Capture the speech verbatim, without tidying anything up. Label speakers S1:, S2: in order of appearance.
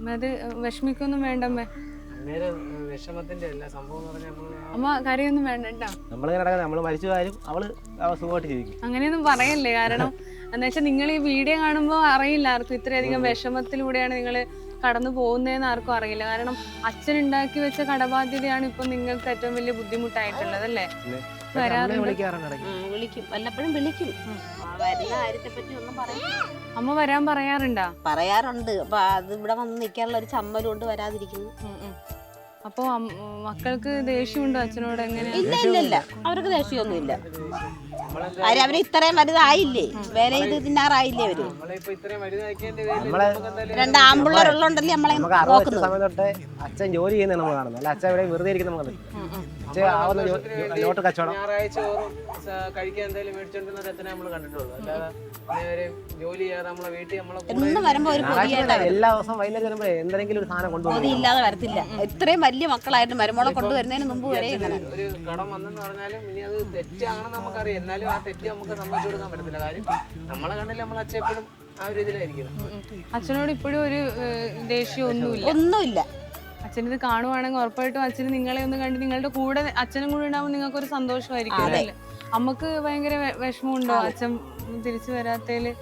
S1: അത് വിഷമിക്കൊന്നും വേണ്ടമ്മേ.
S2: വിഷമത്തിന്റെ അല്ല സംഭവം എന്ന് പറഞ്ഞാൽ
S1: അമ്മ കരയൊന്നും വേണ്ട കേട്ടോ.
S3: നമ്മളിങ്ങനെ നമ്മള് മരിച്ചു കാര്യം അവള് സുഖമായിട്ട് ജീവിക്കും.
S1: അങ്ങനെയൊന്നും പറയല്ലേ, കാരണം എന്താ വെച്ചാൽ നിങ്ങൾ ഈ വീഡിയോ കാണുമ്പോൾ അറിയില്ല ആർക്കും ഇത്രയധികം വിഷമത്തിലൂടെയാണ് നിങ്ങൾ കടന്നു പോകുന്നതെന്ന് ആർക്കും അറിയില്ല. കാരണം അച്ഛൻ ഉണ്ടാക്കി വെച്ച കടബാധ്യതയാണ് ഇപ്പൊ നിങ്ങൾക്ക് ഏറ്റവും വലിയ ബുദ്ധിമുട്ടായിട്ടുള്ളത് അല്ലേ?
S4: വിളിക്കും, വല്ലപ്പോഴും വിളിക്കും. വരുന്ന കാര്യത്തെ പറ്റി ഒന്നും പറയും.
S1: അമ്മ വരാൻ പറയാറുണ്ടാ?
S4: പറയാറുണ്ട്. അപ്പൊ അത് ഇവിടെ വന്ന് നിൽക്കാനുള്ള ഒരു ചമ്മലും കൊണ്ട് വരാതിരിക്കുന്നു.
S1: അപ്പൊ മക്കൾക്ക് ദേഷ്യമുണ്ടോ അച്ഛനോട്? എങ്ങനെ?
S4: ഇല്ല ഇല്ല ഇല്ല, അവർക്ക് ദേഷ്യമൊന്നും ഇല്ല. കാര്യം അവര് ഇത്രയും വലുതായില്ലേ, വേറെ ഇത് തിന്നാറായില്ലേ അവര്. രണ്ട് ആമ്പിള്ളേരുള്ളോണ്ടല്ലേ നമ്മളെ നോക്കുന്നത്.
S3: സമയം തൊട്ടേ അച്ഛൻ ജോലി ചെയ്യുന്ന നമ്മൾ കാണുന്നത്, അല്ല അച്ഛൻ ഇവിടെ വെറുതെ ഇരിക്കുന്ന നമ്മൾ നോട്ട് കച്ചവടം
S2: ഞായറാഴ്ച കഴിക്കാൻ എന്തെങ്കിലും മേടിച്ചോണ്ടിരുന്ന അച്ഛനെ നമ്മൾ കണ്ടിട്ടുള്ളൂ. അല്ലാതെ ജോലി ചെയ്യാതെ നമ്മളെ വീട്ടിൽ
S4: എന്ന് വരുമ്പോ ഒരു
S3: എല്ലാ ദിവസവും വൈകുന്നേരം വരുമ്പോ എന്തെങ്കിലും ഒരു സാധനം കൊണ്ടുപോകും.
S4: ഇല്ലാതെ വരത്തില്ല. ഇത്രയും വലിയ മക്കളായിട്ട് മരുമോളെ കൊണ്ടുവരുന്നതിന് മുമ്പ് വരെ ഇങ്ങനെ
S2: ഒരു കടം വന്നെന്ന് പറഞ്ഞാലും ഇനി അത് തെറ്റാണെന്ന് നമുക്കറിയാം. എന്നാലും ആ തെറ്റ് നമുക്ക് സമ്മതിച്ചു കൊടുക്കാൻ പറ്റത്തില്ല. കാര്യം നമ്മളെ കണ്ടില്ല നമ്മൾ അച്ഛൻ എപ്പോഴും ആ ഒരു ഇതിലായിരിക്കും.
S1: അച്ഛനോട് ഇപ്പോഴും ഒരു ദേഷ്യം ഒന്നുമില്ല?
S4: ഒന്നുമില്ല.
S1: അച്ഛൻ ഇത് കാണുവാണെങ്കിൽ ഉറപ്പായിട്ടും അച്ഛന് നിങ്ങളെ ഒന്ന് കണ്ട് നിങ്ങളുടെ കൂടെ അച്ഛനും കൂടെ ഉണ്ടാവുമ്പോൾ നിങ്ങൾക്ക് ഒരു സന്തോഷമായിരിക്കും അല്ലേ? അമ്മക്ക് ഭയങ്കര വിഷമമുണ്ടോ അച്ഛൻ തിരിച്ചു വരാത്തതില്?